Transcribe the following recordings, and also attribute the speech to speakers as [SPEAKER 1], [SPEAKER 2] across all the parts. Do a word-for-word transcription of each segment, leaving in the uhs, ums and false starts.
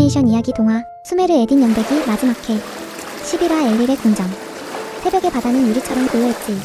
[SPEAKER 1] 애니메이션 이야기 동화 수메르 에딘 연대기 마지막 회 십일 화 엘릴의 궁정. 새벽의 바다는 유리처럼 고요했지.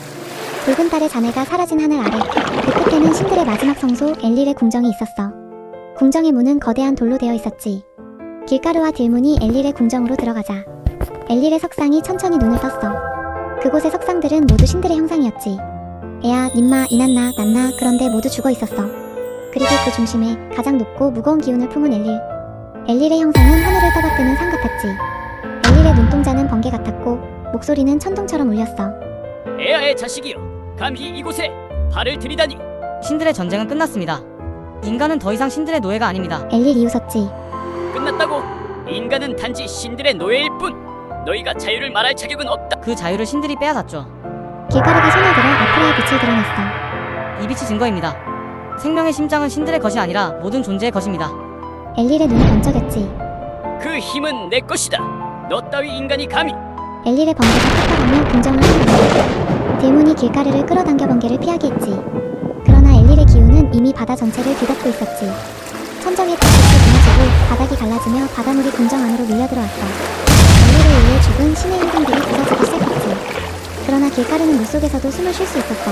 [SPEAKER 1] 붉은 달의 잔해가 사라진 하늘 아래 그 끝에는 신들의 마지막 성소 엘릴의 궁정이 있었어. 궁정의 문은 거대한 돌로 되어 있었지. 길가루와 딜문이 엘릴의 궁정으로 들어가자 엘릴의 석상이 천천히 눈을 떴어. 그곳의 석상들은 모두 신들의 형상이었지. 에아, 님마, 이난나, 난나 그런데 모두 죽어 있었어. 그리고 그 중심에 가장 높고 무거운 기운을 품은 엘릴. 엘릴의 형상은 하늘을 떠받드는 산 같았지. 엘릴의 눈동자는 번개 같았고 목소리는 천둥처럼 울렸어.
[SPEAKER 2] 에아의 자식이여, 감히 이곳에 발을 들이다니.
[SPEAKER 3] 신들의 전쟁은 끝났습니다. 인간은 더 이상 신들의 노예가 아닙니다.
[SPEAKER 1] 엘릴 이웃었지.
[SPEAKER 2] 끝났다고? 인간은 단지 신들의 노예일 뿐. 너희가 자유를 말할 자격은 없다.
[SPEAKER 3] 그 자유를 신들이 빼앗았죠.
[SPEAKER 1] 길가루가 손을 들어 아프라의 빛을 드러냈어.
[SPEAKER 3] 이 빛이 증거입니다. 생명의 심장은 신들의 것이 아니라 모든 존재의 것입니다.
[SPEAKER 1] 엘릴의 눈이 번쩍였지.
[SPEAKER 2] 그 힘은 내 것이다. 너 따위 인간이 감히.
[SPEAKER 1] 엘릴의 번개가 탁탁하며 궁정을 휘날렸다. 딜문이 길가루를 끌어당겨 번개를 피하게 했지. 그러나 엘릴의 기운은 이미 바다 전체를 뒤덮고 있었지. 천정의 달빛이 무너지고 바닥이 갈라지며 바닷물이 궁정 안으로 밀려들어왔어. 엘릴에 의해 죽은 신의 행동들이 부서지기 시작했지. 그러나 길가루는 물속에서도 숨을 쉴 수 있었어.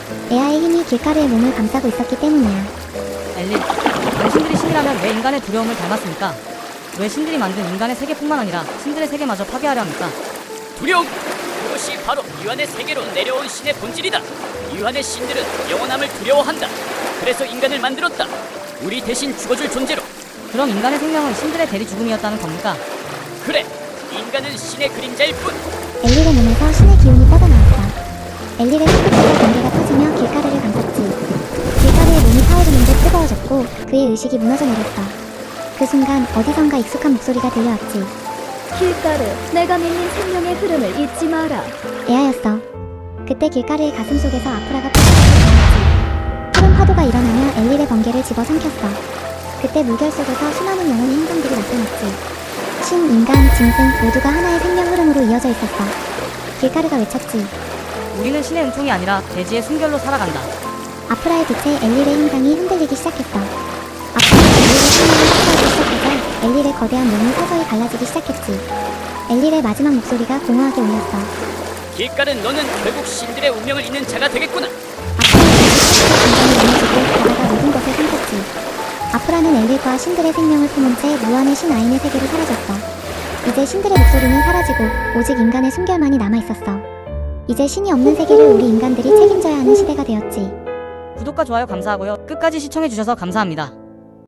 [SPEAKER 1] 에아의 힘이 길가루의 몸을 감싸고 있었기 때문이야.
[SPEAKER 3] 엘릴, 당신들이 신이라면 왜 인간의 두려움을 닮았습니까? 왜 신들이 만든 인간의 세계뿐만 아니라 신들의 세계마저 파괴하려 합니까?
[SPEAKER 2] 두려움. 그것이 바로 유한의 세계로 내려온 신의 본질이다. 유한의 신들은 영원함을 두려워한다. 그래서 인간을 만들었다. 우리 대신 죽어줄 존재로.
[SPEAKER 3] 그럼 인간의 생명은 신들의 대리 죽음이었다는 겁니까?
[SPEAKER 2] 그래, 인간은 신의 그림자일 뿐.
[SPEAKER 1] 엘릴의 몸에서 신의 기운이 뻗어나왔다. 엘릴의 손끝에서 번개가 터지며 길가루를 감쌌지. 길가루의 몸이 타오르는 듯 뜨거워졌고 그의 의식이 무너져 내렸어. 그 순간 어디선가 익숙한 목소리가 들려왔지.
[SPEAKER 4] 길가루, 내가 믿는 생명의 흐름을 잊지 마라.
[SPEAKER 1] 에아였어. 그때 길가루의 가슴 속에서 아프라가 푸르르 일어났지. 푸른 파도가 일어나며 엘릴의 번개를 집어삼켰어. 그때 물결 속에서 수많은 영혼의 행성들이 나타났지. 신, 인간, 짐승 모두가 하나의 생명 흐름으로 이어져 있었어. 길가루가 외쳤지.
[SPEAKER 3] 우리는 신의 은총이 아니라 대지의 순결로 살아간다.
[SPEAKER 1] 아프라의 빛에 엘릴의 형상이 흔들리기 시작했어. 아프라가 엘릴의 생명을 흡수하기 시작하자 엘릴의 거대한 몸이 서서히 갈라지기 시작했지. 엘릴의 마지막 목소리가 공허하게 울렸어.
[SPEAKER 2] 길가른 너는 결국 신들의 운명을 잇는 자가 되겠구나.
[SPEAKER 1] 아프라의 빛이 쏟아져 공간이 무너지고 바다가 모든 것을 삼켰지. 아프라는 엘릴과 신들의 생명을 품은 채 무한의 신 아인의 세계로 사라졌어. 이제 신들의 목소리는 사라지고 오직 인간의 숨결만이 남아있었어. 이제 신이 없는 세계를 우리 인간들이 책임져야 하는 시대가 되었지.
[SPEAKER 3] 구독과 좋아요 감사하고요. 끝까지 시청해주셔서 감사합니다.